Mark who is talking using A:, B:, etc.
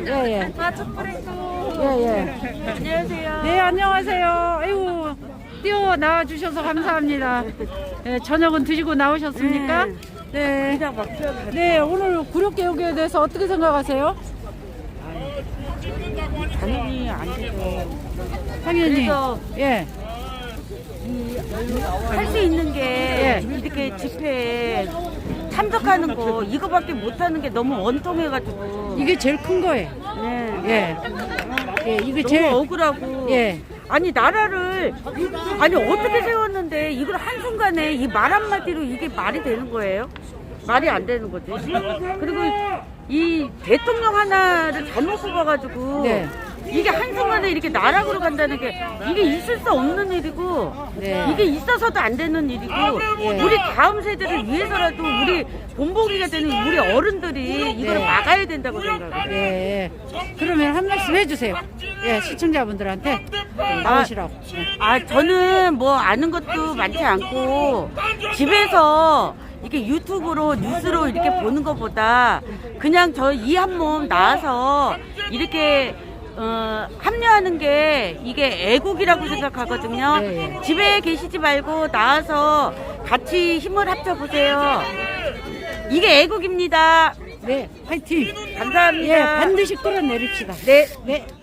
A: 예, 예.
B: 아, 촛불행동.
A: 예, 예.
B: 안녕하세요.
A: 네, 안녕하세요. 아이고, 뛰어 나와 주셔서 감사합니다. 예, 저녁은 드시고 나오셨습니까? 네. 네, 오늘 구력개혁에 대해서 어떻게 생각하세요?
B: 당연히 안 되죠.
A: 당연히.
B: 그래서
A: 예.
B: 할 수 있는 게
A: 예.
B: 이렇게 집회에 참석하는 거 이거밖에 못하는 게 너무 원통해가지고.
A: 이게 제일 큰 거예요.
B: 네.
A: 예. 예, 이게
B: 너무
A: 제일.
B: 억울하고.
A: 예.
B: 아니 나라를 아니 어떻게 세웠는데 이걸 한순간에 이 말 한마디로 이게 말이 되는 거예요? 말이 안 되는 거지. 그리고 이 대통령 하나를 잘못 뽑아가지고
A: 네.
B: 이게 한순간에 이렇게 나락으로 간다는 게 이게 있을 수 없는 일이고
A: 네.
B: 이게 있어서도 안 되는 일이고
A: 예.
B: 우리 다음 세대를 위해서라도 우리 본보기가 되는 우리 어른들이 이걸
A: 네.
B: 막아야 된다고 생각해요.
A: 예. 그러면 한 말씀 해주세요. 예, 시청자분들한테 나오시라고. 예.
B: 저는 뭐 아는 것도 많지 않고 집에서 이렇게 유튜브로 뉴스로 이렇게 보는 것보다 그냥 저 이 한 몸 나와서 이렇게 합류하는 게 이게 애국이라고 생각하거든요.
A: 네, 예.
B: 집에 계시지 말고 나와서 같이 힘을 합쳐 보세요. 이게 애국입니다.
A: 네, 화이팅!
B: 감사합니다.
A: 예, 반드시 끌어내립시다.
B: 네.
A: 네.